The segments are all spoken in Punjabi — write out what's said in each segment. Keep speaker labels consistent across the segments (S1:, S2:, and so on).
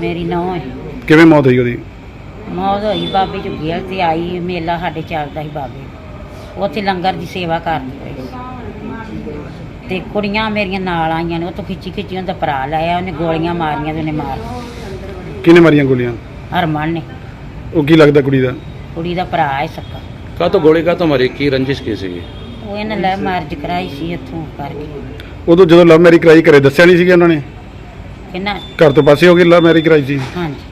S1: ਮੇਰੀ ਨੂੰਹ ਹੈ।
S2: ਕਿਵੇਂ ਮੌਤ ਹੋਈ ਉਹਦੀ?
S1: ਮੌਤ ਹੋਈ ਬਾਬੇ ਝੁੱਗੀਆਂ ਤੇ ਆਈ, ਮੇਲਾ ਸਾਡੇ ਚੱਲਦਾ ਸੀ ਬਾਬੇ, ਉੱਥੇ ਲੰਗਰ ਦੀ ਸੇਵਾ ਕਰਦੀ ਪਈ ਸੀ ਤੇ ਕੁੜੀਆਂ ਮੇਰੀਆਂ ਨਾਲ ਆਈਆਂ ਨੇ, ਉੱਥੋਂ ਖਿੱਚੀ ਉਹਦਾ ਭਰਾ ਲਾਇਆ, ਉਹਨੇ ਗੋਲੀਆਂ ਮਾਰੀਆਂ ਤੇ ਉਹਨੇ ਮਾਰ।
S2: ਕਿਹਨੇ ਮਾਰੀਆਂ ਗੋਲੀਆਂ?
S1: ਹਰਮਨ ਨੇ।
S2: ਉਹ ਕੀ ਲੱਗਦਾ ਕੁੜੀ ਦਾ?
S1: ਕੁੜੀ ਦਾ ਭਰਾ ਹੈ ਸੱਕਾ।
S3: ਕਾਹ ਤੋਂ ਗੋਲੀ ਕਾਹ ਤੋਂ ਮਾਰੀ? ਕੀ ਰੰਜਿਸ਼ ਕੀ ਸੀਗੀ?
S1: ਉਹ ਇਹਨੇ ਲੈ ਮਾਰਜ ਕਰਾਈ ਸੀ ਇੱਥੋਂ ਕਰਕੇ।
S2: ਉਦੋਂ ਜਦੋਂ ਲਵ ਮੈਰਿਜ ਕਰਾਈ ਘਰੇ ਦੱਸਿਆ ਨਹੀਂ ਸੀਗਾ ਉਹਨਾਂ ਨੇ?
S1: ਕਿੰਨਾ
S2: ਘਰ ਤੋਂ ਪਾਸੇ ਹੋ ਕੇ ਲਵ ਮੈਰਿਜ ਕਰਾਈ ਸੀ?
S1: ਹਾਂਜੀ।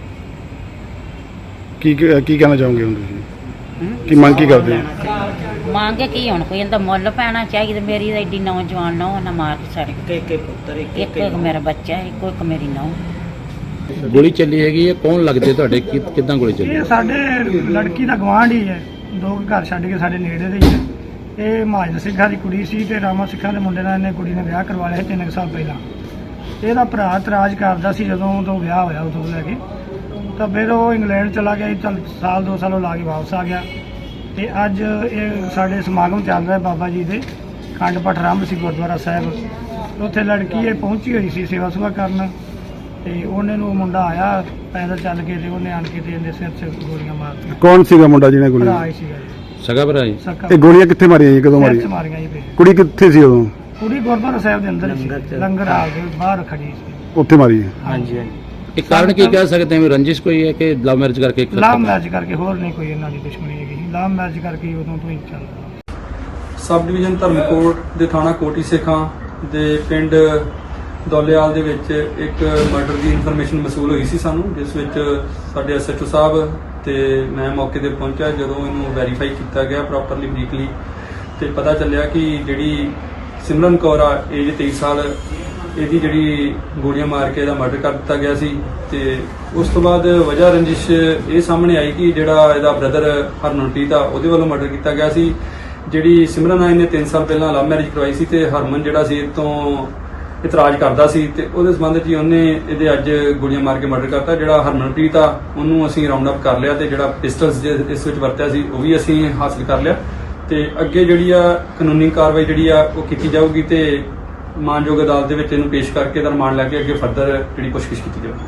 S2: ਕੀ ਕਹਿਣਾ ਚਾਹੋਗੇ ਹੁਣ ਤੁਸੀਂ?
S1: ਹੂੰ?
S2: ਕੀ ਮੰਗ ਕੀ ਕਰਦੇ ਹੋ?
S1: ਮੰਗੇ ਕੀ ਹੁਣ, ਕੋਈ ਇਹਦਾ ਮੁੱਲ ਪੈਣਾ ਚਾਹੀਦਾ। ਮੇਰੀ ਤਾਂ ਐਡੀ ਨੌਜਵਾਨ ਨੌ ਨਾ ਮਾਰ ਕੇ ਸੜ। ਇੱਕ ਮੇਰਾ ਬੱਚਾ, ਇੱਕ ਮੇਰੀ ਨੌ।
S3: ਗੋਲੀ ਚੱਲੀ ਹੈਗੀ ਹੈ, ਕੌਣ ਲੱਗਦੇ ਤੁਹਾਡੇ? ਕਿੱਦਾਂ ਗੋਲੀ ਚੱਲੀ?
S4: ਇਹ ਸਾਡੇ ਲੜਕੀ ਦਾ ਗਵਾਂਢ ਹੀ ਹੈ, 2 ਘਰ ਛੱਡ ਕੇ ਸਾਡੇ ਨੇੜੇ ਦੇ ਹੀ ਹੈ। ਇਹ ਮਹਾਜਨ ਸਿੰਘਾਂ ਦੀ ਕੁੜੀ ਸੀ ਤੇ ਰਾਮਾ ਸਿੰਘਾਂ ਦੇ ਮੁੰਡੇ ਨਾਲ ਇਹਨੇ ਕੁੜੀ ਨੇ ਵਿਆਹ ਕਰਵਾ ਲਿਆ 3 ਸਾਲ ਪਹਿਲਾਂ। ਇਹਦਾ ਭਰਾ ਇਤਰਾਜ਼ ਕਰਦਾ ਸੀ ਜਦੋਂ ਤੋਂ ਵਿਆਹ ਹੋਇਆ ਉਦੋਂ ਲੈ ਕੇ, ਤਾਂ ਫਿਰ ਉਹ ਇੰਗਲੈਂਡ ਚਲਾ ਗਿਆ। ਚੱਲ ਸਾਲ 2 ਸਾਲ ਉਹ ਲਾ ਕੇ ਵਾਪਸ ਆ ਗਿਆ ਤੇ ਅੱਜ ਇਹ ਸਾਡੇ ਸਮਾਗਮ ਚੱਲ ਰਿਹਾ ਬਾਬਾ ਜੀ ਦੇ ਖੰਡ ਪਾਠ ਆਰੰਭ ਸੀ ਗੁਰਦੁਆਰਾ ਸਾਹਿਬ। ਉੱਥੇ ਲੜਕੀ ਇਹ ਪਹੁੰਚੀ ਹੋਈ ਸੀ ਸੇਵਾ ਸੁਭਾ ਕਰਨ ਤੇ ਉਹਨੇ ਨੂੰ ਮੁੰਡਾ ਆਇਆ ਪੈਦਲ ਚੱਲ ਕੇ ਤੇ ਉਹਨੇ ਆਣ ਕੇ ਤੇ ਇਹਦੇ ਸਿਰ 'ਚ ਗੋਲੀਆਂ ਮਾਰਤੀਆਂ।
S2: ਕੌਣ ਸੀਗਾ ਮੁੰਡਾ ਜਿਹਨੇ
S4: ਭਰਾ
S2: ਗੋਲੀਆਂ?
S4: ਹੀ ਸੀਗਾ ਜੀ,
S3: ਸਗਾ ਭਰਾ ਜੀ?
S4: ਸਕਾ।
S2: ਇਹ ਗੋਲੀਆਂ ਕਿੱਥੇ ਮਾਰੀਆਂ ਜੀ? ਕਦੋਂ
S4: ਸਿਰ 'ਚ
S2: ਮਾਰੀਆਂ?
S4: ਮਾਰੀਆਂ ਜੀ ਫਿਰ।
S2: ਕੁੜੀ ਕਿੱਥੇ ਸੀ ਉਦੋਂ?
S4: ਕੁੜੀ ਗੁਰਦੁਆਰਾ ਸਾਹਿਬ ਦੇ ਅੰਦਰ ਹੀ ਸੀ, ਲੰਗਰ ਹਾਲ ਦੇ ਬਾਹਰ ਖੜੀ ਸੀ।
S2: ਉੱਥੇ ਮਾਰੀ ਹੈ?
S4: ਹਾਂਜੀ।
S3: ਇਹ ਕਾਰਨ ਕੀ ਕਹਿ ਸਕਦੇ ਹਾਂ? ਰੰਜਿਸ਼ ਕੋਈ ਹੈ ਕਿ ਲਵ ਮੈਰਿਜ ਕਰਕੇ?
S4: ਲਾਭ ਮੈਰਿਜ ਕਰਕੇ, ਹੋਰ ਨਹੀਂ ਕੋਈ ਇਹਨਾਂ ਦੀ ਦੁਸ਼ਮਣੀ ਹੈਗੀ। ਲਾਭ ਮੈਰਿਜ ਕਰਕੇ ਹੀ ਉਦੋਂ ਤੋਂ ਹੀ ਚੱਲਦਾ।
S5: ਸਬ ਡਿਵੀਜ਼ਨ ਧਰਮਕੋਟ ਦੇ ਥਾਣਾ ਕੋਟੀ ਸੇਖਾਂ ਦੇ ਪਿੰਡ ਦੌਲੇਵਾਲ ਦੇ ਵਿੱਚ ਇੱਕ ਮਰਡਰ ਦੀ ਇਨਫੋਰਮੇਸ਼ਨ ਮਸੂਲ ਹੋਈ ਸੀ ਸਾਨੂੰ, ਜਿਸ ਵਿੱਚ ਸਾਡੇ ਐਸਐਚਓ ਸਾਹਿਬ ਤੇ ਮੈਂ ਮੌਕੇ ਤੇ ਪਹੁੰਚਿਆ। ਜਦੋਂ ਇਹਨੂੰ ਵੈਰੀਫਾਈ ਕੀਤਾ ਗਿਆ ਪ੍ਰੋਪਰਲੀ ਬਰੀਕਲੀ ਤੇ ਪਤਾ ਚੱਲਿਆ ਕਿ ਜਿਹੜੀ ਸਿਮਰਨ ਕੌਰ ਆ, ਏਜ 23 ਸਾਲ, ਇਹਦੀ ਜਿਹੜੀ ਗੋਲੀਆਂ ਮਾਰ ਕੇ ਇਹਦਾ ਮਰਡਰ ਕਰ ਦਿੱਤਾ ਗਿਆ ਸੀ। ਤੇ ਉਸ ਤੋਂ ਬਾਅਦ ਵਜ੍ਹਾ ਰੰਜਿਸ਼ ਇਹ ਸਾਹਮਣੇ ਆਈ ਕਿ ਜਿਹੜਾ ਇਹਦਾ ਬ੍ਰਦਰ ਹਰਮਨਪ੍ਰੀਤ ਆ, ਉਹਦੇ ਵੱਲੋਂ ਮਰਡਰ ਕੀਤਾ ਗਿਆ ਸੀ। ਜਿਹੜੀ ਸਿਮਰਨ ਆ, ਇਹਨੇ 3 ਸਾਲ ਪਹਿਲਾਂ ਲਵ ਮੈਰਿਜ ਕਰਵਾਈ ਸੀ ਤੇ ਹਰਮਨ ਜਿਹੜਾ ਸੀ ਇਹ ਤੋਂ ਇਤਰਾਜ਼ ਕਰਦਾ ਸੀ ਤੇ ਉਹਦੇ ਸੰਬੰਧ 'ਚ ਹੀ ਉਹਨੇ ਇਹਦੇ ਅੱਜ ਗੋਲੀਆਂ ਮਾਰ ਕੇ ਮਰਡਰ ਕਰਤਾ। ਜਿਹੜਾ ਹਰਮਨਪ੍ਰੀਤ ਆ, ਉਹਨੂੰ ਅਸੀਂ ਰਾਉਂਡ ਅਪ ਕਰ ਲਿਆ ਤੇ ਜਿਹੜਾ ਪਿਸਟਲਸ ਇਸ ਵਿੱਚ ਵਰਤਿਆ ਸੀ ਉਹ ਵੀ ਅਸੀਂ ਹਾਸਲ ਕਰ ਲਿਆ ਤੇ ਅੱਗੇ ਜਿਹੜੀ ਆ ਕਾਨੂੰਨੀ ਕਾਰਵਾਈ ਜਿਹੜੀ ਆ ਉਹ ਕੀਤੀ ਜਾਊਗੀ ਤੇ ਮਾਨਯੋਗ ਅਦਾਲਤ ਦੇ ਵਿੱਚ ਇਹਨੂੰ ਪੇਸ਼ ਕਰਕੇ ਇਹਦਾ ਰਿਮਾਂਡ ਲੈ ਕੇ ਅੱਗੇ ਫਰਦਰ ਜਿਹੜੀ ਪੁੱਛਗਿੱਛ ਕੀਤੀ ਜਾਊਗੀ।